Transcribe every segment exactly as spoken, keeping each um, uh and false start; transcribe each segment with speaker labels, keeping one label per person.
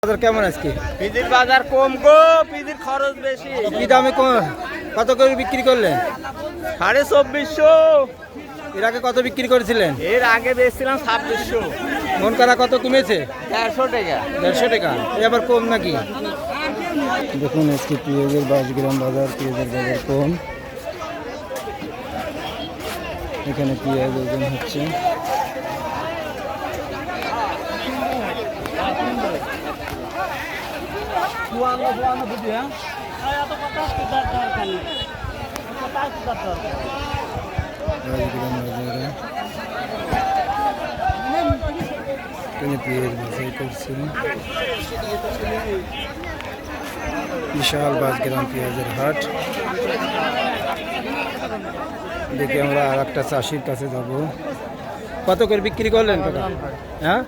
Speaker 1: বাজার কেমন আজকে?
Speaker 2: পিজির বাজার কম গো, পিজির খরচ বেশি।
Speaker 1: কি দামে কত করে বিক্রি করলেন?
Speaker 2: সাড়ে চব্বিশশো।
Speaker 1: এর আগে কত বিক্রি করেছিলেন?
Speaker 2: এর আগে বেচছিলাম ছাব্বিশশো।
Speaker 1: মন করা কত কমেছে?
Speaker 2: দেড়শো টাকা।
Speaker 1: দেড়শো টাকা এ আবার কম নাকি? দেখুন আজকে পেঁয়াজের বাইশ গ্রাম বাজার, পেঁয়াজের বাজার কম। এখানে পেঁয়াজ ওজন হচ্ছে। পেঁয়াজ বাছাই করছে। বিশাল বাইশ গ্রাম পেঁয়াজের হাট। দেখি আমরা আর একটা চাষির কাছে যাব। কত করে বিক্রি করলেন কাকা? হ্যাঁ,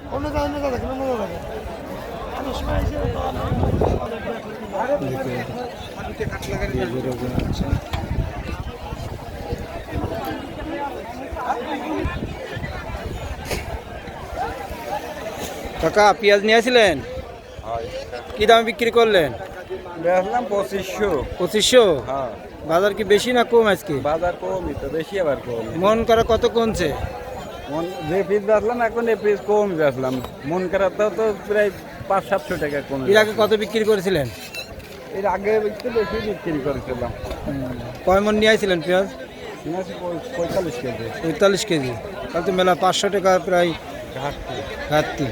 Speaker 1: কাকা পেঁয়াজ নিয়ে আসছিলেন, কি দামে বিক্রি করলেন?
Speaker 2: বেচলাম পঁচিশশো।
Speaker 1: পঁচিশশো?
Speaker 2: হ্যাঁ।
Speaker 1: বাজার কি বেশি না কম আজকে?
Speaker 2: বাজার কমই তো, বেশি আবার কম।
Speaker 1: মন করা কত কমছে?
Speaker 2: মন যে পিস বেচলাম এখন এই পিস কম বেচলাম। মন করাতেও তো প্রায় পাঁচ সাতশো টাকা কমে।
Speaker 1: এর আগে কত বিক্রি করেছিলেন?
Speaker 2: এর আগে একটু বেশি বিক্রি করেছিলাম।
Speaker 1: কয় মন নিয়ে আসছিলেন পেঁয়াজ?
Speaker 2: পঁয়তাল্লিশ কেজি।
Speaker 1: পঁয়তাল্লিশ কেজি, তাহলে তো মেলা পাঁচশো টাকা প্রায়
Speaker 2: ঘাটতি।
Speaker 1: ঘাটতি।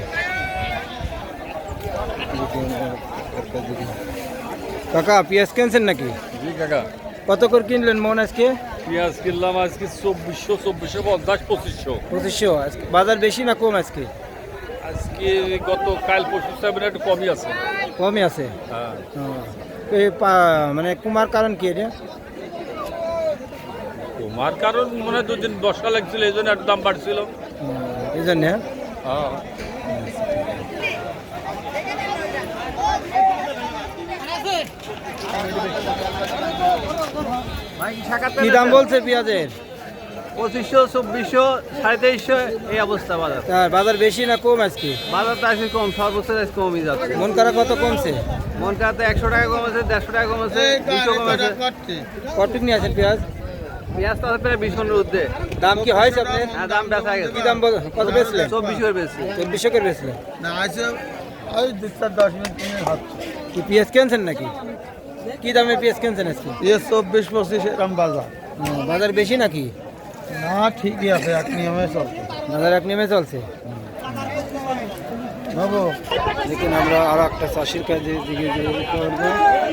Speaker 1: কাকা পেঁয়াজ কিনছেন নাকি?
Speaker 3: জি কাকা,
Speaker 1: কত করে কিনলেন মন আজকে?
Speaker 3: পেঁয়াজ কিনলাম আজকে চব্বিশশো, চব্বিশশো পঞ্চাশ, পঁচিশশো।
Speaker 1: পঁচিশশো। আজকে বাজার বেশি না কম আজকে?
Speaker 3: আজকে গত কাল পরশু সেভেন একটু কমই আছে।
Speaker 1: কমই আছে।
Speaker 3: হ্যাঁ,
Speaker 1: ও, এই পা- মানে কুমার কারণ কি এটা?
Speaker 3: তোমার কারণ মনে হয় দুদিন বর্ষা লাগছিল এই জন্য একটু দাম বাড়ছিল।
Speaker 1: এই জন্যে।
Speaker 3: হ্যাঁ,
Speaker 1: কি দাম বলছে পেঁয়াজের?
Speaker 2: পঁচিশশো, চব্বিশশো, সাড়ে তেইশশো এই অবস্থা বাজার।
Speaker 1: তার বাজার বেশি না কম আজকে?
Speaker 2: বাজার তো আজকে কম, সর্বোচ্চ আজকে কমই যাচ্ছে।
Speaker 1: মন করা কত কমছে?
Speaker 2: মন কাতে একশো টাকা কমেছে, দেড়শো টাকা কমেছে, দুশো কমেছে।
Speaker 1: কতটুকু নিয়ে আছেন পেঁয়াজ?
Speaker 2: পেঁয়াজ তো আছে প্রায় বিশ মনের ঊর্ধ্বে।
Speaker 1: দাম কি হয়েছে আপনার?
Speaker 2: হ্যাঁ, দাম বেচা গেছে।
Speaker 1: কি দাম বল- কত বেচলেন?
Speaker 2: চব্বিশ করে বেশি।
Speaker 1: চব্বিশশো করে বেচলেন।
Speaker 4: না আছে ওই দু চার দশ মিনিট তুমি ভাবছো
Speaker 1: কি পেঁয়াজ কিনছেন নাকি? কি দামে পেঁয়াজ কিনছেন আজকে?
Speaker 4: এ চব্বিশ পঁচিশ এরকম বাজার
Speaker 1: ও, বাজার বেশি নাকি?
Speaker 4: না ঠিকই আছে, এক নিয়মে চলছে
Speaker 1: বাজার এক নেমে চলছে।
Speaker 4: বাবু।
Speaker 1: দেখুন আমরা আর একটা চাষির কাজে দিকে করবো।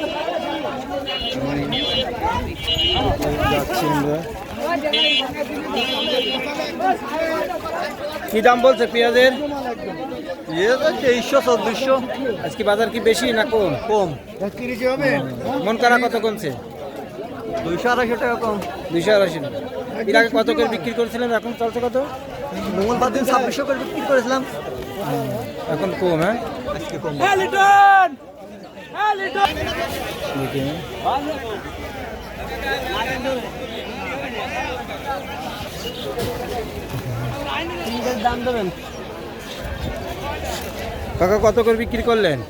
Speaker 1: যাচ্ছি আমরা। কি দাম বলছে পেঁয়াজের?
Speaker 2: ইয়ে তো তেইশশো, চব্বিশশো।
Speaker 1: আজকে বাজার কি বেশি না কম?
Speaker 2: কম।
Speaker 1: মন করা কত কমছে?
Speaker 2: দুইশো আড়াইশো টাকা কম।
Speaker 1: দুইশো আড়াইশো টাকা। এর আগে কত করে বিক্রি করেছিলেন, এখন চলছে কত?
Speaker 2: মঙ্গলবার দিন ছাব্বিশশো করে বিক্রি করেছিলাম।
Speaker 1: এখন কম। হ্যাঁ,
Speaker 2: আজকে কম।
Speaker 1: দেখি।
Speaker 2: দাম দেবেন।
Speaker 1: কাকা কত করে বিক্রি করলেন?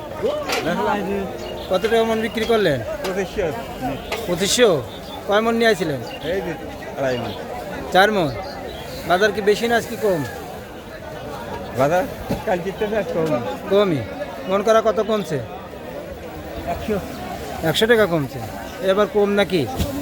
Speaker 1: কত টাকা মন বিক্রি করলেন?
Speaker 2: পঁচিশশো।
Speaker 1: পঁচিশশো। কয় মন নিয়ে আসছিলেন?
Speaker 2: এই যে আড়াই মণ।
Speaker 1: চার মন। বাজার কি বেশি না আজকে কম?
Speaker 2: বাজার কাল জিততে কম।
Speaker 1: কমই। মন করা কত কমছে?
Speaker 2: একশো।
Speaker 1: একশো টাকা কমছে। এবার কম নাকি?